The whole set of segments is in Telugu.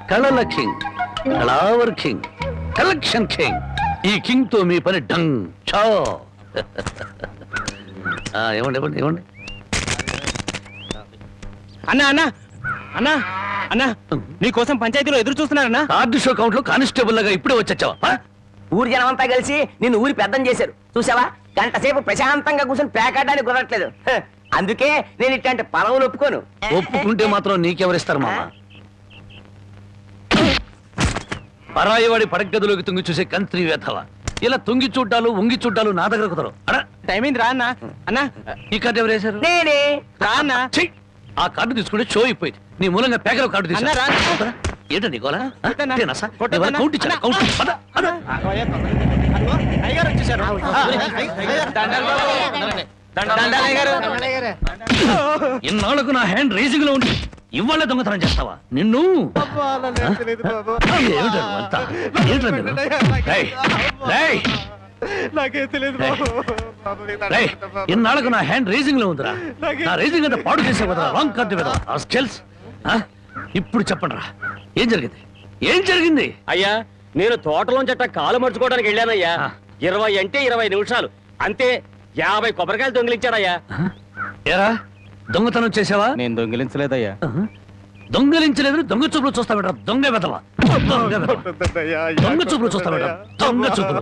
కళల కింగ్, కళావర్ కింగ్, కలెక్షన్ కింగ్. ఈ కింగ్ తో మీ పని డంగ్ చో. ఇవ్వండి ఇవ్వండి ఇవ్వండి. అన్నా అన్నా అన్నా అన్నా నీకోసం పంచాయతీలో ఎదురు చూస్తున్నారన్నా. కార్డు షో కౌంట్ లో కానిస్టేబుల్ లాగా ఇప్పుడే వచ్చావా? ఊరి జనం అంతా కలిసి నిన్ను ఊరి పెద్దం చేశారు చూసావా. గంట సేపు ప్రశాంతంగా కూర్చొని పేకాడడానికి కుదరట్లేదు. అందుకే నేను ఇట్లాంటి పలవులు ఒప్పుకోను. ఒప్పుకుంటే మాత్రం నీకెవరిస్తారు మామ? పరాయి వాడి పడగదిలోకి తుంగి చూసే కంత్రి వేధవ. ఇలా తుంగి చూడ్డాలు ఉంగి చూడ్డాలు నా దగ్గర కుదరవు. టైం అయింది రా అన్నా. అన్నా ఈ కార్డు ఎవరు వేశారు? నేనే. రా అన్నా. ఆ కార్డు తీసుకుంటే షో అయిపోయింది. నీ మూలంగా పేకలో కార్డు అన్నా, రా. తీసుకున్నా. ఏంటో నీకోలా కొట్టన్నా. కౌంట్ ఇచ్చాను. కౌంట్ పద, పద. ఇన్నాళ్లకు నా హ్యాండ్ రేసింగ్ లో ఉండి ఇవాళ దొంగతనం చేస్తావా? నిన్ను ఇన్నాళ్లకు నా హ్యాండ్ రేసింగ్ లో ఉందిరా. నా రేసింగ్ అంతా పాడు చేసే కదా. రాంగ్ కార్డు కదా. ఇప్పుడు చెప్పండి రా, ఏం జరిగింది? ఏం జరిగింది? అయ్యా, నేను తోటలోంచి అట్ట కాలు మర్చుకోవడానికి వెళ్ళానయ్యా. 20 అంటే 20 నిమిషాలు అంతే. 50 కొబ్బరికాయలు దొంగిలించాడయ్యా. ఏరా, దొంగతనం చేసావా? నేను దొంగిలించలేదయ్యా. దొంగలించలేదు. దొంగ చూపులు చూస్తా బెట. దొంగ వెదవా. దొంగ చూపులు చూస్తా బెట. దొంగ చూపులు.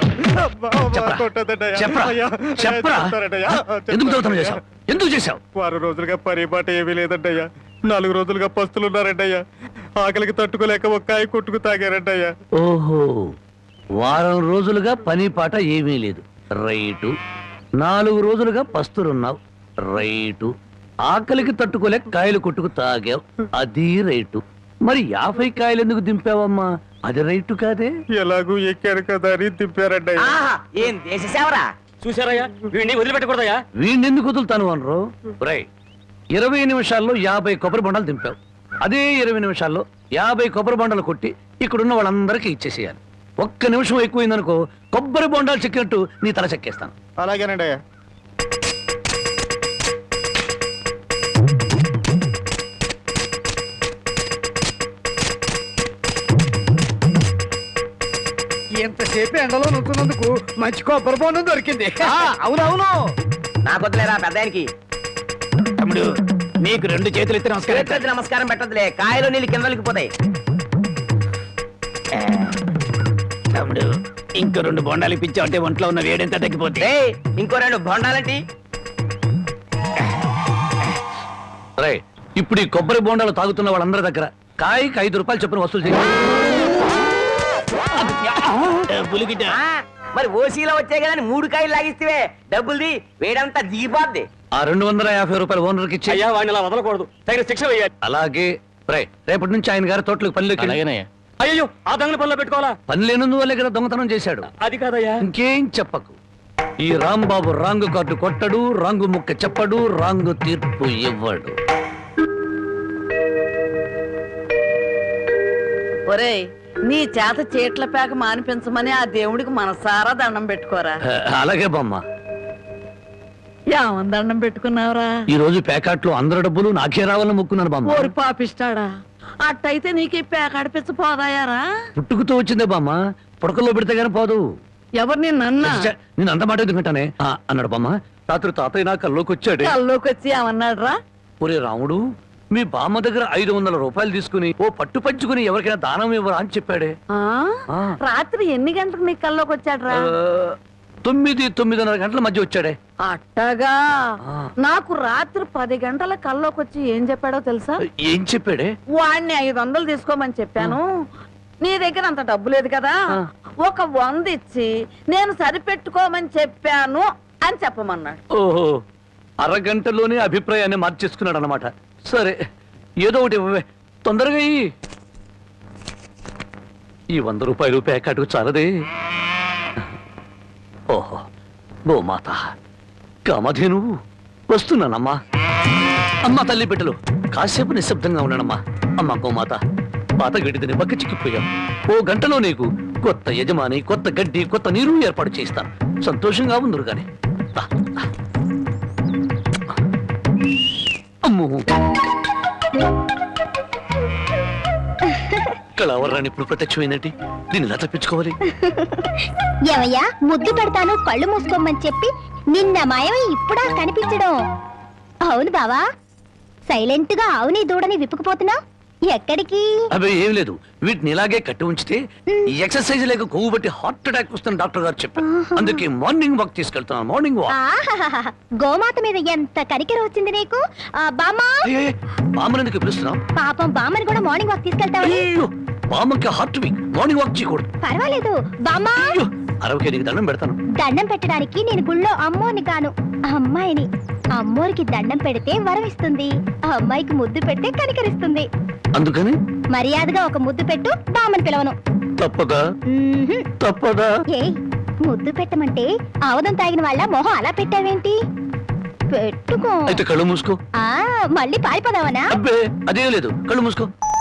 చెప్పరా, ఎందుకు దొంగతనం చేశావు? ఎందుకు చేశావు? 6 రోజులుగా పరిపాట ఏమీ లేదంటయ్యా. 4 రోజులుగా పస్తులున్నారంటయ్యా. ఆకలికి తట్టుకోలేక ఒక్కాయ కొట్టుకు తాగారంటయ్యా. ఓహో, వారం రోజులుగా పని పాట ఏమీ లేదు. రైటు. 4 రోజులుగా పస్తులున్నావు. రైటు. ఆకలికి తట్టుకోలేక కాయలు కొట్టుకు తాగావు. అది రైటు. మరి 50 కాయలు ఎందుకు దింపావమ్మా? అది రైటు కాదే. ఎలాగూ ఎక్కారు కదా అని దింపారంటయ్యా. ఏం దేశ సేవరా. చూసారయ్యా, వీడిని వదిలిపెట్టకూడదయ్యా. వీణెందుకు వదులుతాను అనరు? రై, 20 నిమిషాల్లో 50 కొబ్బరి బొండాలు దింపావు. అదే 20 నిమిషాల్లో 50 కొబ్బరి బొండాలు కొట్టి ఇక్కడున్న వాళ్ళందరికీ ఇచ్చేసేయాలి. 1 నిమిషం ఎక్కువైందనుకో కొబ్బరి బొండాలు చెక్కినట్టు నీ తల చెక్కేస్తాను. అలాగేనండి అయ్యా. ఎంతసేపు ఎండలో నుంచున్నందుకు మంచి కొబ్బరి బొండం దొరికింది. అవునవును, నాకు వద్దులేరా పెద్దానికి. తమ్ముడు, నీకు 2 చేతులు ఎత్తి నమస్కారం. చేతులెత్తి నమస్కారం పెట్టదులే, కాయలు నీళ్ళు కిందలకి పోతాయి. తమ్ముడు, ఇంకో 2 బొండాలు ఇప్పించావు అంటే ఒంట్లో ఉన్న వేడెంత తగ్గిపోతే. ఇంకో 2 బొండాలంటి. రై, ఇప్పుడు ఈ కొబ్బరి బొండాలు తాగుతున్న వాళ్ళందరి దగ్గర కాయకి 5 రూపాయలు చొప్పున వసూలు చేయి. మరి ఓసీలో వచ్చాయి కదా 3 కాయలు లాగిస్తే డబ్బుల్ది వేడంతా దిగిపోద్ది. ఆ 250 రూపాయలు ఓనర్కి ఇచ్చి. అయ్యా, వాడిని అలా వదలకూడదు. తగిన శిక్ష వేయాలి. అలాగే. రై, రేపటి నుంచి ఆయన గారి తోటలకు పనిలోకి. అయ్యో, ఆ దొంగల పనిలో పెట్టుకోవాలా? పని లేనందువల్లే కదా దొంగతనం చేశాడు. అది కాదయ్యా. ఇంకేం చెప్పకు. ఈ రాంబాబు రాంగు కార్డు కొట్టడు, రాంగు ముక్క చెప్పడు, రాంగు తీర్పు ఇవ్వడు. ఒరేయ్, నీ చేత చీట్ల పేక మానిపించమని ఆ దేవుడికి మనసారా దండం పెట్టుకోరా. అలాగే బామ్మ. ఏమని దండం పెట్టుకున్నావురా? ఈ రోజు ప్యాకెట్లో అందరి డబ్బులు నాకే రావాలని మొక్కున్నాను బామ్మ. ఓరి పాపిస్తాడా, అట్టయితే నీకు ఈ పేకాడిపించ పోదాయారా? పుట్టుకుతూ వచ్చిందే బామ్మ, పుడకల్లో పెడితే గానీ పోదు. ఎవరు నిన్నన్నా? నేను అంత మాట ఎందుకంటానే అన్నాడు బామ్మ. రాత్రి తాతయ్య నా కల్లోకి వచ్చాడు. కల్లోకి వచ్చి ఏమన్నాడు రా? ఒరే రాముడు, మీ బామ్మ దగ్గర 500 రూపాయలు తీసుకుని ఓ పట్టు పంచుకుని ఎవరికైనా దానం ఇవ్వరా అని చెప్పాడే. రాత్రి ఎన్ని గంటలకు నీ కల్లోకి వచ్చాడు రా? 9-9:30 గంటల మధ్య వచ్చాడే. అట్టగా. నాకు రాత్రి 10 గంటల కల్లోకి వచ్చి ఏం చెప్పాడో తెలుసా? ఏం చెప్పాడే? వాడిని 500 తీసుకోమని చెప్పాను. నీ దగ్గర అంత డబ్బు లేదు కదా, ఒక 100 ఇచ్చి నేను సరిపెట్టుకోమని చెప్పాను అని చెప్పమన్నాడు. ఓహో, అరగంటలోనే అభిప్రాయాన్ని మార్చేసుకున్నాడు అన్నమాట. సరే, ఏదో ఒకటి ఇవ్వవే, తొందరగా ఈ 100 రూపాయలు ప్యాకెట్ చాలదే. ఓహో, గోమాత కామధేను వస్తున్నానమ్మా. అమ్మా తల్లి బిడ్డలు కాసేపు నిశ్శబ్దంగా ఉన్నానమ్మా. అమ్మా గోమాత, పాత గడ్డిని పక్క చిక్కిపోయాం. ఓ గంటలో నీకు కొత్త యజమాని, కొత్త గడ్డి, కొత్త నీరు ఏర్పాటు చేస్తాను. సంతోషంగా ఉందరు గాని. అమ్మో కళావరాన్ని ఇప్పుడు ప్రత్యక్షమైనట్టి దీన్ని ఎలా తప్పించుకోవాలి? ఏమయ్యా ముద్దు పెడతాను కళ్ళు మూసుకోమని చెప్పి నిన్న మాయమై ఇప్పుడా కనిపించడం? అవును బావా, సైలెంట్ గా అవుని దూడని విప్పుకుపోతున్నా ఎక్కడికి? అవి ఏం లేదు, వీటిని ఇలాగే కట్టి ఉంచితే ఈ ఎక్సర్సైజ్ లేక కొవ్వు బట్టి హార్ట్ అటాక్ వస్తుంది డాక్టర్ గారు చెప్పారు. అందుకే మార్నింగ్ వాక్ తీసుకెళ్తున్నాను. Morning walk. ఆహాహాహా, గోమాత మీద ఎంత కనికెర వచ్చింది నీకు. బామ్మా, బామ్మనందుకు పిలుస్తున్నాం. పాపం బామ్మని కూడా మార్నింగ్ వాక్ తీసుకెళ్తావని. అయ్యో, బామ్మకి హార్ట్ వీక్, మార్నింగ్ వాక్ చేయకూడదు. పర్వాలేదు బామ్మా, అయ్యో, అరవకే నీకు దండం పెడతాను. దండం పెట్టడానికి నేను గుళ్ళో అమ్మోని కాను, అమ్మాయిని. అమ్మోరికి దండం పెడితే వరం ఇస్తుంది, అమ్మాయికి ముద్దు పెడితే కనికరిస్తుంది. అందుకని మర్యాదగా ఒక ముద్దు పెట్టు, బామ్మని పిలవను. తప్పదా? మ్మ్హ్మ్. తప్పదా? ఏయ్, ముద్దు పెట్టమంటే ఆవదం తాగిన వాళ్ళ మొహం అలా పెట్టావేంటి? పెట్టుకో. అయితే కళ్ళు మూసుకో. మళ్ళీ పారిపోదావనా? అబ్బే అదేం లేదు, కళ్ళు మూసుకో.